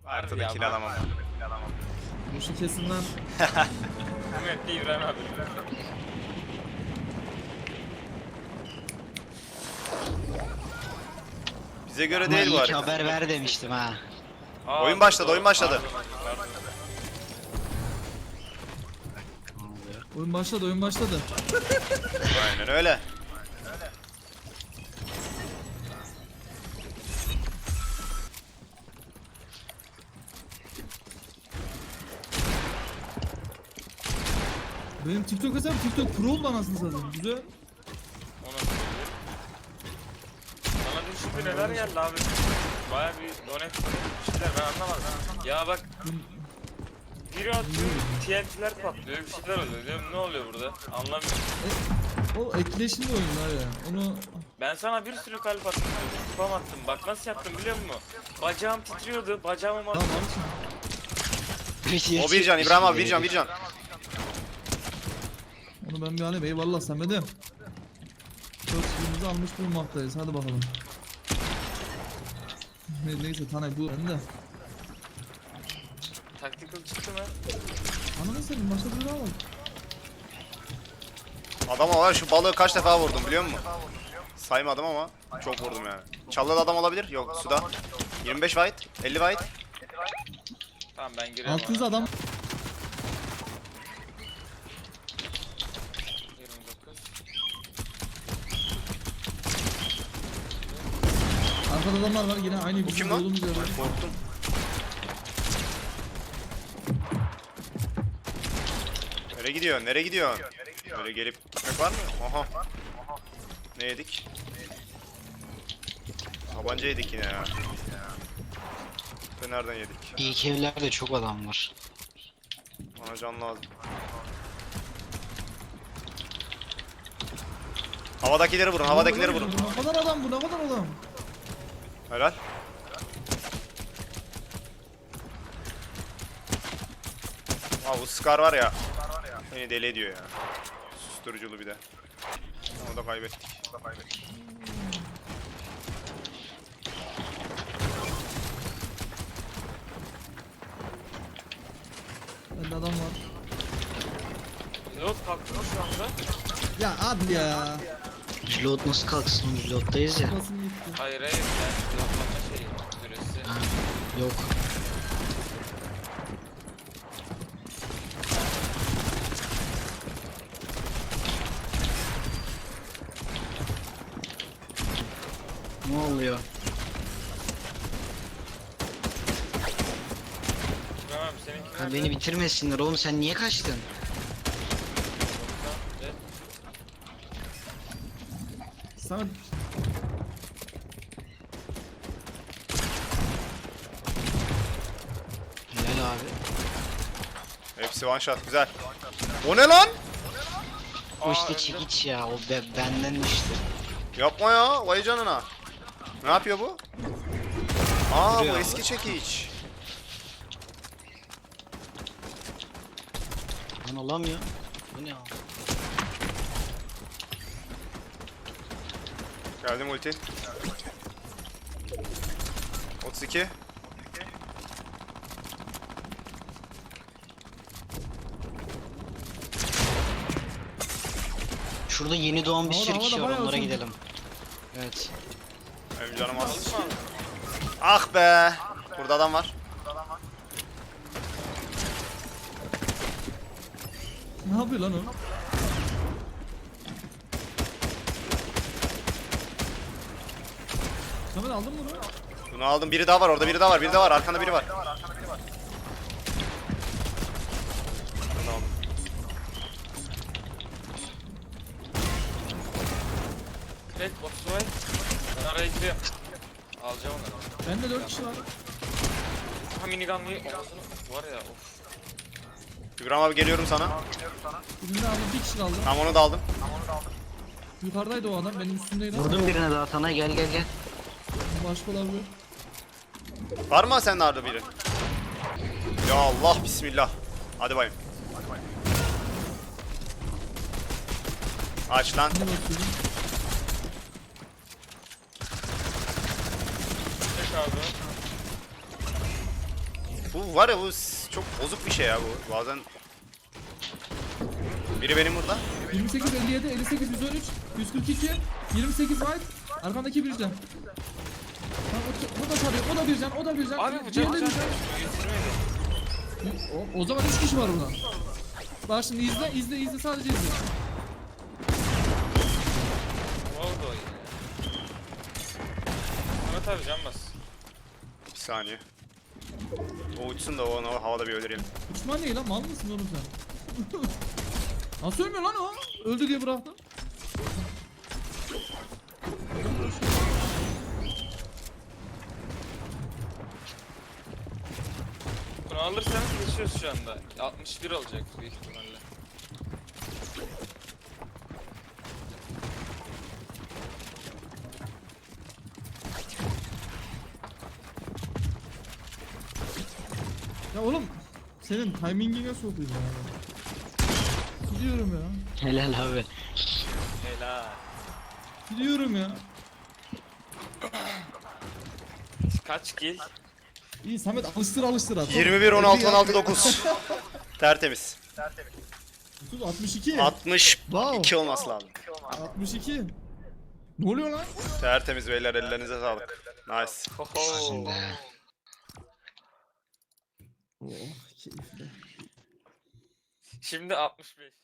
Haritada kill alamam. Bu şu kesin lan. Evet değil İbrahim abi. Bize göre Ama değil bu iyi ki harita. haber ver demiştim ha. Oyun başladı, oyun başladı. Oyun başladı, oyun başladı. Aynen öyle. Benim TikTok hesabım TikTok Pro oldu anasını satayım. Güzel. Ona bana bir şimdi neler geldi abi. Baya bir donet şeyler ben anlamadım. Ya bak biri atıyor, TNT'ler patlıyor, bir şeyler oluyor. Diyorum ne oluyor burada? Anlamıyorum. O etkileşimli oyunlar ya. Onu Ben sana bir sürü kalp attım, spam attım. Bak nasıl yaptım biliyor musun? Bacağım titriyordu, bacağımı tamam abiciğim. Video O bir can, çekmiş İbrahim abi gibi. bir can, bir can. Onu ben bir alayım. Eyvallah Samet'im. 4 kilimizi almış bulunmaktayız. Hadi bakalım. Neyse Tanay bu bende. Tactical çıktı mı? Ananı senin başka bir daha var. Adama var şu balığı kaç defa vurdum biliyor musun? Saymadım ama çok vurdum yani. Çalıda adam olabilir. Yok suda. 25 white, 50 white. Tamam ben giriyorum. 600 adam. 29. Arkada adamlar var yine aynı bizim kim lan? olduğumuz yerde. Korktum. Nereye gidiyorsun? Nereye gidiyorsun? Böyle gelip gitmek var mı? Aha. Ne yedik? Tabanca yedik yine ya. Ve nereden yedik? İlk evlerde çok adam var. Bana can lazım. Havadakileri vurun, havadakileri vurun. Ne kadar adam bu, ne kadar adam. Helal. Aa bu Scar var ya. Beni deli ediyor ya. Susturuculu bir de. Onu da kaybettik. Bende adam var. Pilot kalktı mı şu anda? Ya hadi ya. Reload nasıl kalksın? Reload'dayız ya. Basın gitti. Hayır hayır yani pilotlama şeyi süresi. Ha, yok. Ne oluyor? İbrahim abi seninki Ha, nerede? beni bitirmesinler oğlum, sen niye kaçtın? Evet. Samet. Helal abi. Hepsi one shot güzel. O ne lan? O işte çekiç ya, o bendenmiştir. Yapma ya, vay canına. Ne yapıyor bu? Aa Vuruyor bu abi. eski çekiç. Lan olamıyor. Bu ne abi? Geldim ulti. 32. Şurada yeni doğan bir Havada, sürü havada kişi var, bayağı onlara uzun. gidelim. Evet. Benim canım az. Ah be. Burada adam var. Ne yapıyor lan o? Samet aldın mı bunu? Bunu aldım. Biri daha var orada. Biri daha var. Biri daha var. Arkanda biri var. Bunu aldım. Evet Baturay. Ben araya giriyorum. Alacağım onu. Bende 4 kişi var. Ha minigun'lı olmasını var ya of. İbrahim abi geliyorum sana. Birinde aldım, bir kişi kaldı. Tam onu da aldım. Yukarıdaydı o adam, benim üstümdeydi ama. Vurdum birine daha sana, gel gel gel. Başka olabilir. Var mı sende orada biri? Ya Allah bismillah. Hadi bayım. Aç lan. Ne bakıyorum? Tek abi. Bu var ya bu çok bozuk bir şey ya bu. Bazen biri benim burada. 28, 57, 58, 113, 142, 28 white. Arkandaki bir can. Tamam, o da tarıyor, o da bir can, o da bir can. Abi bu Diğerleri canı bir can. getirmedi. O zaman 3 kişi var burada. Bak şimdi izle sadece izle. Ne oldu o yine? Mehmet abi can bas. Bir saniye. O uçsun da onu havada bir öldürelim. Uçman ne lan, mal mısın oğlum sen? Nasıl ölmüyor lan o? Öldü diye bıraktım. Bunu alırsanız geçiyoruz şu anda. 61 olacak büyük ihtimalle. Ya oğlum senin timingine sokayım ya. Gidiyorum ya. Helal abi. Helal. Gidiyorum ya. Kaç kill? İyi Samet alıştır at. 21 16 16 9. Tertemiz. 30 62. 62 olması lazım. 62. Ne oluyor lan? Tertemiz beyler, ellerinize sağlık. Nice. Hoho. Şimdi. Oh keyifli. Şimdi 65.